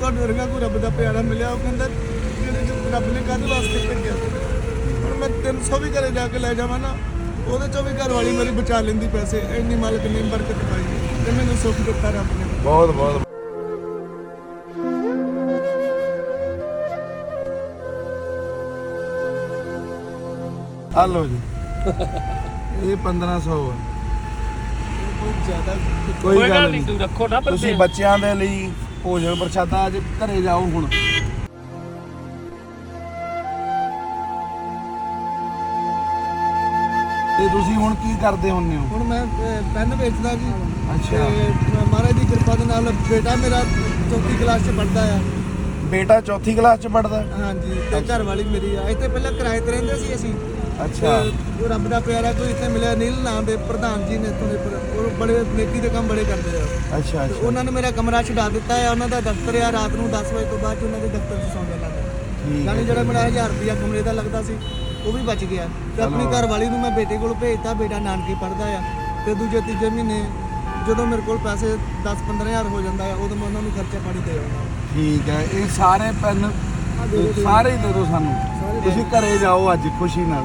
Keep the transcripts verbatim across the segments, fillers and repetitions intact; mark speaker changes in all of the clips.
Speaker 1: ਤੁਹਾਡੇ ਵਰਗਾ ਕੋਈ ਰੱਬ ਦਾ ਪਿਆਰਾ ਮਿਲਿਆ। ਉਹ ਕਹਿੰਦਾ ਜਿਹੜੇ ਰੱਬ ਨੇ ਕਾਹਦੇ ਵਾਸਤੇ ਭੇਜਿਆ। ਹੁਣ ਮੈਂ ਤਿੰਨ ਸੌ ਵੀ ਘਰੇ ਜਾ ਕੇ ਲੈ ਜਾਵਾਂ ਨਾ, ਉਹਦੇ ਚੋਂ ਵੀ ਘਰ ਵਾਲੀ ਮੇਰੀ ਬਚਾ ਲੈਂਦੀ ਪੈਸੇ। ਇੰਨੀ ਮਾਲਕ ਨੇ ਬਰਕਤ ਪਾਈ ਤੇ ਮੈਨੂੰ ਸੁੱਖ ਦਿੱਤਾ ਰੱਬ ਨੇ।
Speaker 2: ਬਹੁਤ ਬਹੁਤ ਆ ਲਓ ਜੀ ਇਹ ਪੰਦਰਾਂ ਸੌ ਆ।
Speaker 1: ਬਹੁਤ ਜ਼ਿਆਦਾ
Speaker 2: ਕੋਈ ਗੱਲ ਨਹੀਂ,
Speaker 3: ਤੂੰ ਰੱਖੋ ਨਾ
Speaker 2: ਤੁਸੀਂ ਬੱਚਿਆਂ ਦੇ ਲਈ ਭੋਜਨ ਪ੍ਰਸ਼ਾਦਾ ਅੱਜ ਘਰੇ ਜਾਓ। ਹੁਣ ਤੇ ਤੁਸੀਂ ਹੁਣ ਕੀ ਕਰਦੇ ਹੁੰਦੇ ਹੋ?
Speaker 1: ਹੁਣ ਮੈਂ ਅਹ, ਪੈਨ ਵੇਚਦਾ ਜੀ।
Speaker 2: ਅੱਛਾ।
Speaker 1: ਤੇ ਮਹਾਰਾਜ ਦੀ ਕਿਰਪਾ ਦੇ ਨਾਲ ਬੇਟਾ ਮੇਰਾ ਚੌਥੀ ਕਲਾਸ 'ਚ ਪੜ੍ਹਦਾ ਆ।
Speaker 2: ਬੇਟਾ ਚੌਥੀ ਕਲਾਸ 'ਚ ਪੜ੍ਹਦਾ?
Speaker 1: ਹਾਂਜੀ। ਤੇ ਘਰ ਵਾਲੀ ਮੇਰੀ ਆ। ਇੱਥੇ ਪਹਿਲਾਂ ਕਿਰਾਏ ਤੇ ਰਹਿੰਦੇ ਸੀ ਅਸੀਂ।
Speaker 2: ਅੱਛਾ।
Speaker 1: ਤੇ ਉਹ ਰੱਬ ਦਾ ਪਿਆਰਾ ਕੋਈ ਇੱਥੇ ਮਿਲਿਆ, ਨੀਲ ਨਾਂ ਦੇ ਪ੍ਰਧਾਨ ਜੀ ਨੇ ਇੱਥੋਂ ਦੇ। ਪਰ ਉਹ ਬੜੇ ਨੇਕੀ ਦੇ ਕੰਮ ਬੜੇ ਕਰਦੇ ਆ।
Speaker 2: ਅੱਛਾ
Speaker 1: ਤੇ
Speaker 2: ਅੱਛਾ
Speaker 1: ਉਹਨਾਂ ਨੇ ਮੇਰਾ ਕਮਰਾ ਛਡਾ ਦਿੱਤਾ ਹੈ। ਉਹਨਾਂ ਦਾ ਦਫ਼ਤਰ ਆ। ਰਾਤ ਨੂੰ ਦਸ ਵਜੇ ਤੋਂ ਬਾਅਦ 'ਚ ਉਹਨਾਂ ਦੇ ਦਫ਼ਤਰ 'ਚ ਸੌਂਦੇ ਲੱਗਦਾ।
Speaker 2: ਠੀਕ
Speaker 1: ਯਾਨੀ
Speaker 2: ਹੈ।
Speaker 1: ਜਿਹੜਾ ਮੇਰਾ ਹਜ਼ਾਰ ਰੁਪਇਆ ਕਮਰੇ ਦਾ ਲੱਗਦਾ ਸੀ ਉਹ ਵੀ ਬਚ ਗਿਆ। ਤੇ ਆਪਣੀ
Speaker 2: ਚਲੋ।
Speaker 1: ਘਰ ਵਾਲੀ ਨੂੰ ਮੈਂ ਬੇਟੇ ਕੋਲ ਭੇਜਤਾ। ਬੇਟਾ ਨਾਨਕੇ ਪੜ੍ਹਦਾ ਆ। ਤੇ ਦੂਜੇ ਤੀਜੇ ਮਹੀਨੇ ਜਦੋਂ ਮੇਰੇ ਕੋਲ ਪੈਸੇ ਦਸ ਪੰਦਰਾਂ ਹਜ਼ਾਰ ਹੋ ਜਾਂਦਾ ਆ, ਉਦੋਂ ਮੈਂ ਉਹਨਾਂ ਨੂੰ ਖਰਚਾ ਪਾਣੀ ਦੇ ਆਉਂਦਾ।
Speaker 2: ਠੀਕ ਹੈ। ਇਹ ਸਾਰੇ ਪੈਨ ਸਾਰੇ ਹੀ ਦੇ ਦਿਓ ਸਾਨੂੰ। ਤੁਸੀਂ ਘਰੇ ਜਾਓ ਅੱਜ ਖੁਸ਼ੀ ਨਾਲ।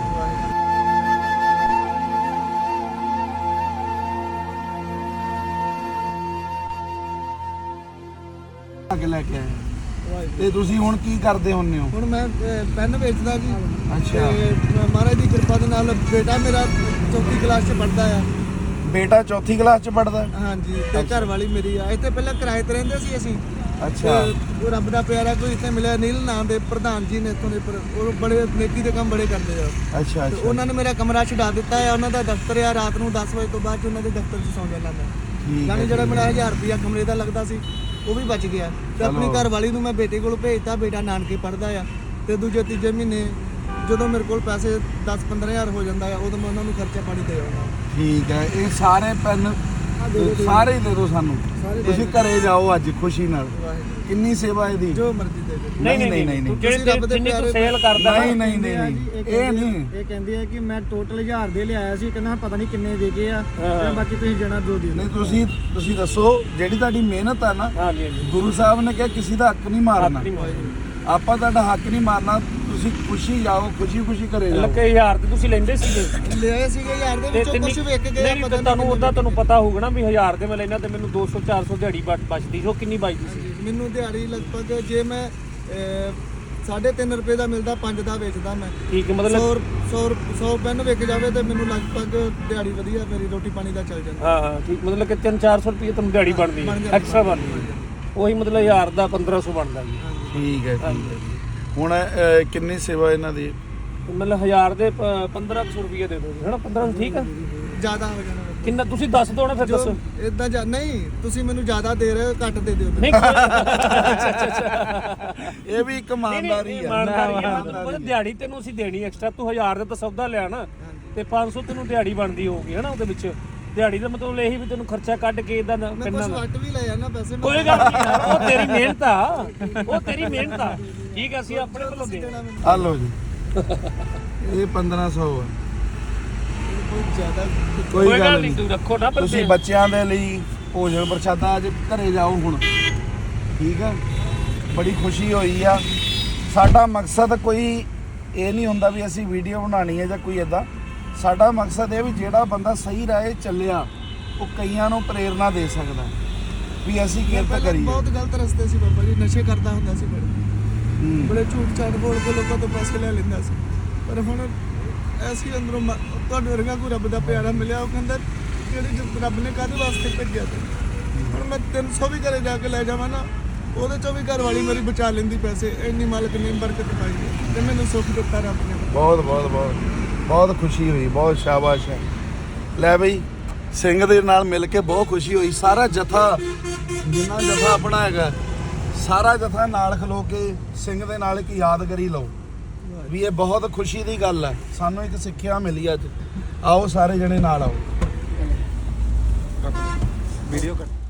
Speaker 2: ਅੱਗੇ ਲੈ ਕੇ ਆਏ। ਤੇ ਤੁਸੀਂ ਹੁਣ ਕੀ ਕਰਦੇ ਹੁੰਦੇ ਹੋ?
Speaker 1: ਹੁਣ ਮੈਂ ਅਹ, ਪੈਨ ਵੇਚਦਾ ਜੀ।
Speaker 2: ਅੱਛਾ।
Speaker 1: ਤੇ ਮਹਾਰਾਜ ਦੀ ਕਿਰਪਾ ਦੇ ਨਾਲ ਬੇਟਾ ਮੇਰਾ ਚੌਥੀ ਕਲਾਸ 'ਚ ਪੜ੍ਹਦਾ ਆ।
Speaker 2: ਬੇਟਾ ਚੌਥੀ ਕਲਾਸ 'ਚ ਪੜ੍ਹਦਾ?
Speaker 1: ਹਾਂਜੀ। ਤੇ ਘਰ ਵਾਲੀ ਮੇਰੀ ਆ। ਇੱਥੇ ਪਹਿਲਾਂ ਕਿਰਾਏ ਤੇ ਰਹਿੰਦੇ ਸੀ ਅਸੀਂ।
Speaker 2: ਅੱਛਾ।
Speaker 1: ਤੇ ਉਹ ਰੱਬ ਦਾ ਪਿਆਰਾ ਕੋਈ ਇੱਥੇ ਮਿਲਿਆ, ਨੀਲ ਨਾਂ ਦੇ ਪ੍ਰਧਾਨ ਜੀ ਨੇ ਇੱਥੋਂ ਦੇ। ਪਰ ਉਹ ਬੜੇ ਨੇਕੀ ਦੇ ਕੰਮ ਬੜੇ ਕਰਦੇ ਆ।
Speaker 2: ਅੱਛਾ
Speaker 1: ਤੇ
Speaker 2: ਅੱਛਾ।
Speaker 1: ਉਹਨਾਂ ਨੇ ਮੇਰਾ ਕਮਰਾ ਛਡਾ ਦਿੱਤਾ ਹੈ। ਉਹਨਾਂ ਦਾ ਦਫ਼ਤਰ ਆ। ਰਾਤ ਨੂੰ ਦਸ ਵਜੇ ਤੋਂ ਬਾਅਦ 'ਚ ਉਹਨਾਂ ਦੇ ਦਫ਼ਤਰ 'ਚ ਸੌਂਦੇ ਲੱਗਦਾ।
Speaker 2: ਠੀਕ
Speaker 1: ਯਾਨੀ
Speaker 2: ਹੈ।
Speaker 1: ਜਿਹੜਾ ਮੇਰਾ ਹਜ਼ਾਰ ਰੁਪਇਆ ਕਮਰੇ ਦਾ ਲੱਗਦਾ ਸੀ ਉਹ ਵੀ ਬਚ ਗਿਆ। ਤੇ ਆਪਣੀ
Speaker 2: ਚਲੋ।
Speaker 1: ਘਰ ਵਾਲੀ ਨੂੰ ਮੈਂ ਬੇਟੇ ਕੋਲ ਭੇਜਤਾ। ਬੇਟਾ ਨਾਨਕੇ ਪੜ੍ਹਦਾ ਆ। ਤੇ ਦੂਜੇ ਤੀਜੇ ਮਹੀਨੇ ਜਦੋਂ ਮੇਰੇ ਕੋਲ ਪੈਸੇ ਦਸ ਪੰਦਰਾਂ ਹਜ਼ਾਰ ਹੋ ਜਾਂਦਾ ਆ, ਉਦੋਂ ਮੈਂ ਉਹਨਾਂ ਨੂੰ ਖਰਚਾ ਪਾਣੀ ਦੇ ਆਉਂਦਾ।
Speaker 2: ਠੀਕ ਹੈ। ਇਹ ਸਾਰੇ ਪੈਨ ਸਾਰੇ ਹੀ ਦੇ ਦਿਓ ਸਾਨੂੰ। ਤੁਸੀਂ ਘਰੇ ਜਾਓ ਅੱਜ ਖੁਸ਼ੀ ਨਾਲ। ਕਿੰਨੀ ਸੇਵਾ ਇਹਦੀ?
Speaker 1: ਜੋ ਮਰਜ਼ੀ ਦੇ ਦੇ।
Speaker 3: ਨਹੀਂ ਨਹੀਂ ਨਹੀਂ ਤੂੰ ਜਿਹੜੇ ਜਿੰਨੀ ਤੂੰ ਸੇਲ ਕਰਦਾ
Speaker 2: ਨਹੀਂ ਨਹੀਂ ਨਹੀਂ ਨਹੀਂ ਇਹ ਨਹੀਂ।
Speaker 1: ਇਹ ਕਹਿੰਦੇ ਆ ਕਿ ਮੈਂ ਟੋਟਲ ਹਜ਼ਾਰ ਦੇ ਲਿਆਇਆ ਸੀ। ਕਹਿੰਦਾ ਪਤਾ ਨਹੀਂ ਕਿੰਨੇ ਦੇ ਗਏ ਆ। ਤੇ ਬਾਕੀ ਤੁਸੀਂ ਜਣਾ ਦੋ ਦੇ
Speaker 2: ਨਹੀਂ ਤੁਸੀਂ ਤੁਸੀਂ ਦੱਸੋ ਜਿਹੜੀ ਤੁਹਾਡੀ ਮਿਹਨਤ ਆ ਨਾ।
Speaker 3: ਹਾਂਜੀ ਹਾਂਜੀ।
Speaker 2: ਗੁਰੂ ਸਾਹਿਬ ਨੇ ਕਿਹਾ ਕਿਸੇ ਦਾ ਹੱਕ ਨਹੀਂ ਮਾਰਨਾ।
Speaker 3: ਹੱਕ ਨਹੀਂ ਮਾਰਨਾ।
Speaker 2: ਆਪਾਂ ਤੁਹਾਡਾ ਹੱਕ ਨਹੀਂ ਮਾਰਨਾ। ਤੁਸੀਂ ਖੁਸ਼ੀ ਜਾਓ, ਖੁਸ਼ੀ ਖੁਸ਼ੀ ਘਰੇ ਜਾਓ।
Speaker 3: ਲੱਕੇ ਹਜ਼ਾਰ ਤੇ ਤੁਸੀਂ ਲੈਂਦੇ ਸੀਗੇ।
Speaker 1: ਲਿਆਏ ਸੀਗੇ ਯਾਰ ਦੇ ਵਿੱਚੋਂ ਕੁਝ ਵੇਖ ਕੇ
Speaker 3: ਨਹੀਂ ਤਾਂ ਤੁਹਾਨੂੰ ਉਹਦਾ ਤੁਹਾਨੂੰ ਪਤਾ ਹੋਊਗਾ ਨਾ ਵੀ ਹਜ਼ਾਰ ਦੇ ਮੈਂ ਲੈਣਾ ਤੇ ਮੈਨੂੰ ਦੋ ਸੌ ਚਾਰ ਸੌ ਦਿਹਾੜੀ ਬਚ- ਬਚਦੀ ਸੀ। ਉਹ ਕਿੰਨੀ ਬਚਦੀ ਸੀ?
Speaker 1: ਮੈਨੂੰ ਦਿਹਾੜੀ ਲਗਭਗ ਜੇ ਮੈਂ ਸਾਢੇ ਤਿੰਨ ਰੁਪਏ ਦਾ ਮਿਲਦਾ, ਪੰਜ ਦਾ ਵੇਚਦਾ ਮੈਂ।
Speaker 3: ਠੀਕ ਹੈ। ਮਤਲਬ
Speaker 1: ਸੌ ਸੌ ਪੈਨ ਵਿਕ ਜਾਵੇ ਤੇ ਮੈਨੂੰ ਲਗਭਗ ਦਿਹਾੜੀ ਵਧੀਆ ਮੇਰੀ ਰੋਟੀ ਪਾਣੀ ਦਾ ਚੱਲ ਜਾਂਦਾ।
Speaker 3: ਹਾਂ ਹਾਂ ਠੀਕ। ਮਤਲਬ ਕਿ ਤਿੰਨ ਚਾਰ ਸੌ ਰੁਪਏ ਤੁਹਾਨੂੰ ਦਿਹਾੜੀ ਬਣਦੀ ਹੈ, ਐਕਸਟਰਾ ਬਣਦੀ ਹੈ। ਉਹੀ ਮਤਲਬ ਹਜ਼ਾਰ ਦਾ ਪੰਦਰਾਂ ਸੌ ਬਣਦਾ ਜੀ।
Speaker 2: ਠੀਕ ਹੈ ਠੀਕ ਹੈ। ਹੁਣ ਅਹ, ਕਿੰਨੀ ਸੇਵਾ ਇਹਨਾਂ ਦੀ?
Speaker 3: ਮਤਲਬ ਹਜ਼ਾਰ ਦੇ ਪੰਦਰਾਂ ਸੌ ਰੁਪਏ ਦੇ ਦਿਓ ਹਨਾ। ਪੰਦਰਾਂ ਸੌ ਠੀਕ ਆ।
Speaker 1: ਜ਼ਿਆਦਾ ਹੋ ਜਾਣਾ
Speaker 3: ਕਿੰਨਾ ਤੁਸੀਂ ਦੱਸ ਦਿਓ ਨਾ ਫਿਰ ਦੱਸੋ।
Speaker 1: ਇਦਾਂ ਜਾਂ ਨਹੀਂ ਤੁਸੀਂ ਮੈਨੂੰ ਜ਼ਿਆਦਾ ਦੇ ਰਹੇ ਹੋ, ਘੱਟ ਦੇ ਦਿਓ।
Speaker 3: ਨਹੀਂ ਅੱਛਾ ਅੱਛਾ ਅੱਛਾ।
Speaker 2: ਇਹ ਵੀ ਇੱਕ ਇਮਾਨਦਾਰੀ ਆ।
Speaker 3: ਇਮਾਨਦਾਰੀ ਆ। ਮਤਲਬ ਦਿਹਾੜੀ ਤੈਨੂੰ ਅਸੀਂ ਦੇਣੀ ਐਕਸਟਰਾ। ਤੂੰ ਹਜ਼ਾਰ ਦਾ ਤਾਂ ਸੌਦਾ ਲਿਆ ਨਾ ਤੇ ਪੰਜ ਸੌ ਤੈਨੂੰ ਦਿਹਾੜੀ ਬਣਦੀ ਹੋਊਗੀ ਹਨਾ। ਉਹਦੇ ਵਿੱਚ ਦਿਹਾੜੀ ਦਾ ਮਤਲਬ ਇਹੀ ਵੀ ਤੈਨੂੰ ਖਰਚਾ ਕੱਢ ਕੇ ਇਹਦਾ
Speaker 1: ਮੈਂ
Speaker 3: ਕਿੰਨਾ
Speaker 1: ਕੁਝ ਵੱਟ ਵੀ ਲੈ ਜਾਣਾ ਪੈਸੇ।
Speaker 3: ਕੋਈ ਗੱਲ ਨਹੀਂ ਯਾਰ, ਉਹ ਤੇਰੀ ਮਿਹਨਤ ਆ। ਉਹ ਤੇਰੀ ਮਿਹਨਤ ਆ। ਠੀਕ ਹੈ। ਅਸੀਂ ਆਪਣੇ ਵੱਲੋਂ ਦੇ
Speaker 2: ਆ ਲਓ ਜੀ ਇਹ ਪੰਦਰਾਂ ਸੌ ਆ।
Speaker 1: ਬਹੁਤ ਜ਼ਿਆਦਾ
Speaker 2: ਕੋਈ ਗੱਲ ਨਹੀਂ,
Speaker 3: ਤੂੰ ਰੱਖੋ ਨਾ।
Speaker 2: ਤੁਸੀਂ ਬੱਚਿਆਂ ਦੇ ਲਈ ਭੋਜਨ ਪ੍ਰਸ਼ਾਦਾ ਅੱਜ ਘਰੇ ਜਾਓ। ਹੁਣ ਠੀਕ ਹੈ। ਬੜੀ ਖੁਸ਼ੀ ਹੋਈ ਆ। ਸਾਡਾ ਮਕਸਦ ਕੋਈ ਇਹ ਨਹੀਂ ਹੁੰਦਾ ਵੀ ਅਸੀਂ ਵੀਡੀਓ ਬਣਾਉਣੀ ਹੈ ਜਾਂ ਕੋਈ ਇਦਾਂ। ਸਾਡਾ ਮਕਸਦ ਇਹ ਵੀ ਜਿਹੜਾ ਬੰਦਾ ਸਹੀ ਰਾਹ ਚੱਲਿਆ ਉਹ ਕਈਆਂ ਨੂੰ ਪ੍ਰੇਰਨਾ ਦੇ ਸਕਦਾ ਵੀ ਅਸੀਂ ਕਿਰਤ ਕਰੀਏ।
Speaker 1: ਬਹੁਤ ਗਲਤ ਰਸਤੇ ਸੀ ਬਾਬਾ ਜੀ। ਨਸ਼ੇ ਕਰਦਾ ਹੁੰਦਾ ਸੀ ਬੜੇ
Speaker 2: ਹੂੰ।
Speaker 1: ਬੜੇ ਝੂਠ ਝਾਟ ਬੋਲ ਕੇ ਲੋਕਾਂ ਤੋਂ ਪੈਸੇ ਲੈ ਲੈਂਦਾ ਸੀ। ਪਰ ਹੁਣ ਐਸੀ ਅੰਦਰੋਂ ਮ- ਤੁਹਾਡੇ ਵਰਗਾ ਕੋਈ ਰੱਬ ਦਾ ਪਿਆਰਾ ਮਿਲਿਆ। ਉਹ ਕਹਿੰਦਾ ਜਿਹੜੇ ਰੱਬ ਨੇ ਕਾਹਦੇ ਵਾਸਤੇ ਭੇਜਿਆ। ਤੇ ਹੁਣ ਮੈਂ ਤਿੰਨ ਸੌ ਵੀ ਘਰੇ ਜਾ ਕੇ ਲੈ ਜਾਵਾਂ ਨਾ, ਉਹਦੇ ਚੋਂ ਵੀ ਘਰ ਵਾਲੀ ਮੇਰੀ ਬਚਾ ਲੈਂਦੀ ਪੈਸੇ। ਇੰਨੀ ਮਾਲਕ ਨੇ ਬਰਕਤ ਪਾਈ ਤੇ ਮੈਨੂੰ ਸੁੱਖ ਦਿੱਤਾ ਰੱਬ ਨੇ।
Speaker 2: ਬਹੁਤ ਬਹੁਤ ਬਹੁਤ ਬਹੁਤ ਖੁਸ਼ੀ ਹੋਈ। ਬਹੁਤ ਸ਼ਾਬਾਸ਼ ਹੈ। ਲੈ ਬਈ ਸਿੰਘ ਦੇ ਨਾਲ ਮਿਲ ਕੇ ਬਹੁਤ ਖੁਸ਼ੀ ਹੋਈ। ਸਾਰਾ ਜਥਾ ਜਿੰਨਾ ਜਥਾ ਆਪਣਾ ਹੈਗਾ ਸਾਰਾ ਜਥਾ ਨਾਲ ਖਲੋ ਕੇ ਸਿੰਘ ਦੇ ਨਾਲ ਇੱਕ ਯਾਦਗਾਰੀ ਲਓ ਵੀ ਇਹ ਬਹੁਤ ਖੁਸ਼ੀ ਦੀ ਗੱਲ ਹੈ। ਸਾਨੂੰ ਇੱਕ ਸਿੱਖਿਆ ਮਿਲੀ ਅੱਜ। ਆਓ ਸਾਰੇ ਜਣੇ ਨਾਲ ਆਓ। ਵੀਡੀਓ ਕੱਟ।